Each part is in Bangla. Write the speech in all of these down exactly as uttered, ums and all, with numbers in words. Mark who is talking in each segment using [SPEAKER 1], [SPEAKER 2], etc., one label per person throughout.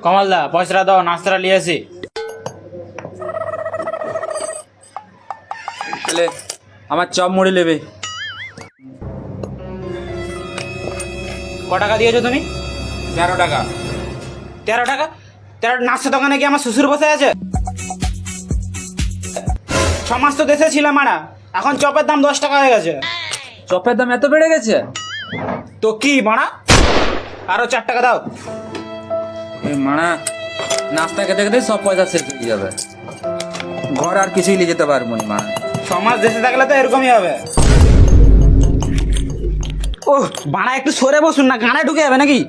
[SPEAKER 1] কমলদা পয়সাটা দাও, নাস্তাটা নিয়ে আসি।
[SPEAKER 2] তাহলে আমার চপ মুড়ি নেবে।
[SPEAKER 1] ক টাকা দিয়েছো তুমি?
[SPEAKER 2] তেরো টাকা।
[SPEAKER 1] তেরো টাকা? তেরো নাস্তা দোকানে কি আমার শ্বশুর বসে আছে? ছ মাস তো দেশে ছিলাম মারা, এখন চপের দাম দশ টাকা হয়ে গেছে।
[SPEAKER 2] চপের দাম এত বেড়ে গেছে?
[SPEAKER 1] তো কি মারা, আরো চার টাকা দাও।
[SPEAKER 2] এই মানা নাস্তা খেতে খেতে সব পয়সা শেষ হয়ে যাবে, ঘর আর কিছুই নিয়ে যেতে পারবো না মানা।
[SPEAKER 1] ছ মাস দেশে থাকলে তো এরকমই হবে। ও বানা একটু সরে বসুন না, গানে ঢুকে যাবে নাকি?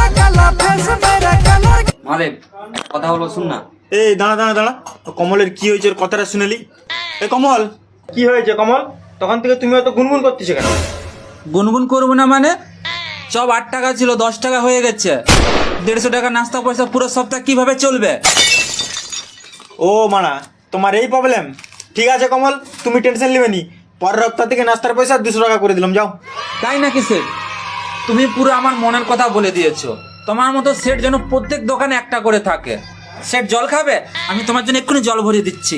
[SPEAKER 2] মালিক কথা বলবো, শুন না।
[SPEAKER 3] এই দাঁড়া দাঁড়া দাঁড়া, কমলের কি হয়েছে ওর কথাটা শুনেলি? এ কমল, কি হয়েছে কমল? তখন থেকে তুমি অত গুনগুন করতেছো কেন?
[SPEAKER 2] গুনগুন করবো না মানে? চপ আট টাকা ছিল, দশ টাকা হয়ে গেছে। দেড়শো টাকা নাস্তা পয়সা পুরো সপ্তাহ কিভাবে চলবে?
[SPEAKER 3] ও মানা, তোমার এই প্রবলেম? ঠিক আছে কমল, তুমি টেনশন নেবে নি, পরের সপ্তাহ থেকে নাস্তার পয়সা দুশো টাকা করে দিলাম, যাও।
[SPEAKER 2] তাই নাকি সেট? তুমি পুরো আমার মনের কথা বলে দিয়েছো। তোমার মতো সেট যেন প্রত্যেক দোকানে একটা করে থাকে। সেট জল খাবে? আমি তোমার জন্য এক্ষুনি জল ভরিয়ে দিচ্ছি।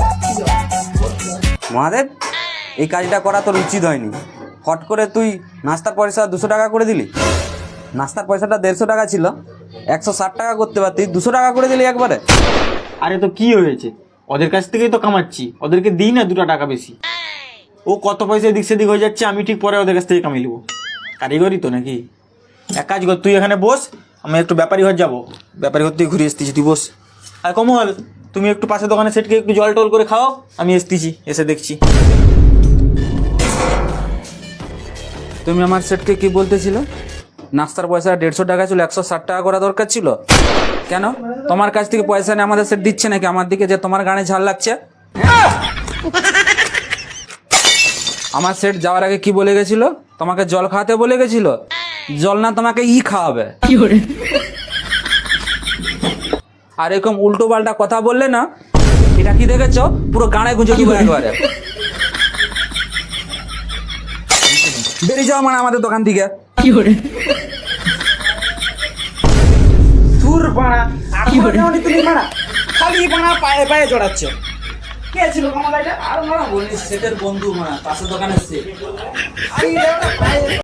[SPEAKER 4] মহাদেব, এই কাজটা করা তোর উচিত হয়নি। হট করে তুই নাস্তার পয়সা দুশো টাকা করে দিলি। নাস্তার পয়সাটা দেড়শো টাকা ছিল, একশো ষাট টাকা করতে পারতি, দুশো টাকা করে দিলি একবারে।
[SPEAKER 3] আরে তো কি হয়েছে, ওদের কাছ থেকেই তো কামাচ্ছি, ওদেরকে দিই না দুটো টাকা বেশি। ও কত পয়সা এদিক সেদিক হয়ে যাচ্ছে, আমি ঠিক পরে ওদের কাছ থেকে কামিয়ে নেবো। কারিগরি তো নাকি? এক কাজ কর, তুই এখানে বস, আমি একটু ব্যাপারী ঘর যাবো, ব্যাপারী ঘর থেকে ঘুরে এসতেছি, তুই বস। আর কমল, তুমি একটু পাশে দোকানে সেটকে একটু জল টল করে খাও, আমি এসতেছি, এসে দেখছি।
[SPEAKER 2] তুমি আমার সেটকে কি বলতেছিল? নাস্তার পয়সা দেড়শো টাকা ছিল, একশো ষাট টাকা করা দরকার ছিল। কেন তোমার কাছ থেকে পয়সা নিয়ে আমাদের সেট দিচ্ছে নাকি আমার দিকে, যে তোমার গানে ঝাল লাগছে? আমার সেট যাওয়ার আগে কি বলে গেছিল? তোমাকে জল খাওয়াতে বলে গেছিল। জল না, তোমাকে ই খাওয়াবে। আর এরকম উল্টো পাল্টা কথা বললে না, এটা কি দেখেছো, পুরো গানে গুঁজে দিব একবারে। বেরিয়ে যাও মানে আমাদের দোকান থেকে।
[SPEAKER 1] ধুর বানা, আর কি তুমি মারা, খালি বানা পায়ে পায়ে জড়াচ্ছ। কে ছিল কমলা এটা?
[SPEAKER 2] আর মারা বলিস, সেটের বন্ধু মারা, পাশের দোকানে সে।
[SPEAKER 1] আরে